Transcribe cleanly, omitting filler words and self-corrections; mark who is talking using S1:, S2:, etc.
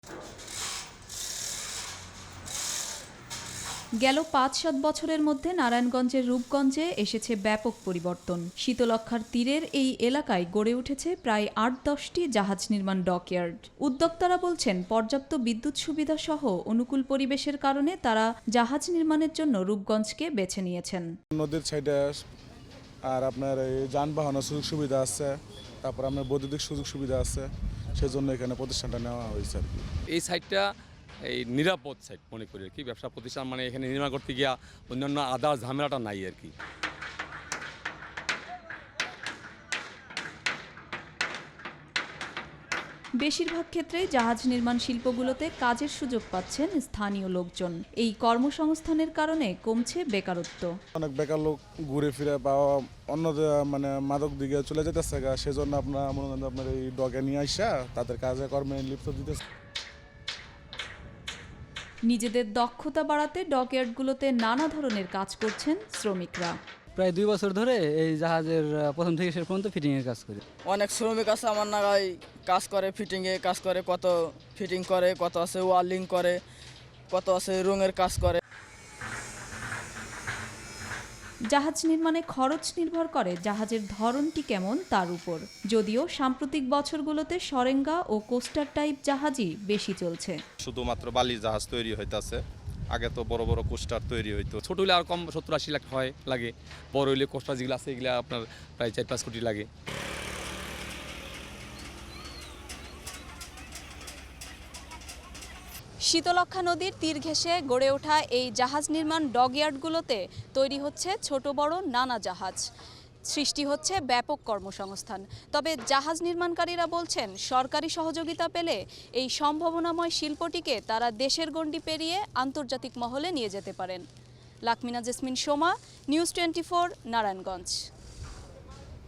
S1: গেল ৫-৭ বছরের মধ্যে নারায়ণগঞ্জের রূপগঞ্জে এসেছে ব্যাপক পরিবর্তন। শীতলক্ষ্যার তীরের এই এলাকায় গড়ে উঠেছে প্রায় ৮-১০টি জাহাজ নির্মাণ ডকইয়ার্ড। উদ্যোক্তারা বলছেন, পর্যাপ্ত বিদ্যুৎ সুবিধা সহ অনুকূল পরিবেশের কারণে তারা জাহাজ নির্মাণের জন্য রূপগঞ্জকে বেছে নিয়েছেন।
S2: নদীর সাইডে আর আপনার এই যানবাহনের সুযোগ সুবিধা আছে, তারপর আপনার বৈদ্যুতিক সুযোগ সুবিধা আছে, সেজন্য এখানে প্রতিষ্ঠানটা নেওয়া হয়েছে আর কি।
S3: এই সাইটটা এই নিরাপদ সাইট মনে করি আর কি। ব্যবসা প্রতিষ্ঠান মানে এখানে নির্মাণ করতে গিয়া অন্যান্য আদার ঝামেলাটা নাই আর কি।
S1: বেশিরভাগ ক্ষেত্রেই জাহাজ নির্মাণ শিল্পগুলোতে কাজের সুযোগ পাচ্ছেন স্থানীয় লোকজন। এই কর্মসংস্থানের কারণে কমছে বেকারত্ব।
S2: অনেক বেকার লোক ঘুরে ফিরে বা অন্য মানে মাদক দিকে চলে যেতেছে, সেজন্য আপনার মনে করেন আপনার এই ডগে নিয়ে আসা তাদের কাজে কর্মে লিপ্ত দিতেছে।
S1: নিজেদের দক্ষতা বাড়াতে ডকইয়ার্ডগুলোতে নানা ধরনের কাজ করছেন শ্রমিকরা।
S4: প্রায় 2 বছর ধরে এই জাহাজের প্রথম থেকে শেষ পর্যন্ত ফিটিংয়ের কাজ করি।
S5: অনেক শ্রমিক আছে আমার নাগায় কাজ করে, ফিটিংয়ে কাজ করে, কত ফিটিং করে, কত আছে ওয়ার্লিং করে, কত আছে রঙের কাজ করে।
S1: জাহাজ নির্মাণে খরচ নির্ভর করে জাহাজের ধরনটি কেমন তার উপর। যদিও সাম্প্রতিক বছরগুলোতে সরেঙ্গা ও কোস্টার টাইপ জাহাজই বেশি চলছে।
S6: শুধুমাত্র বালি জাহাজ তৈরি হইতাছে, আগে তো বড় বড় কোস্টার তৈরি হইতো।
S3: ছোট হলে আর কম 70-80 লাখ হয় লাগে, বড় হইলে কোস্টার যেগুলো আছে এগুলো আপনার প্রায় 4-5 কোটি লাগে।
S1: শীতলক্ষ্যা নদীর তীর ঘেঁষে গড়ে ওঠা এই জাহাজ নির্মাণ ডকইয়ার্ডগুলোতে তৈরি হচ্ছে ছোট বড় নানা জাহাজ। সৃষ্টি হচ্ছে ব্যাপক কর্মসংস্থান। তবে জাহাজ নির্মাণকারীরা বলছেন, সরকারি সহযোগিতা পেলে এই সম্ভাবনাময় শিল্পটিকে তারা দেশের গণ্ডি পেরিয়ে আন্তর্জাতিক মহলে নিয়ে যেতে পারেন। লাকমিনা জেসমিন সোমা, নিউজ 24, নারায়ণগঞ্জ।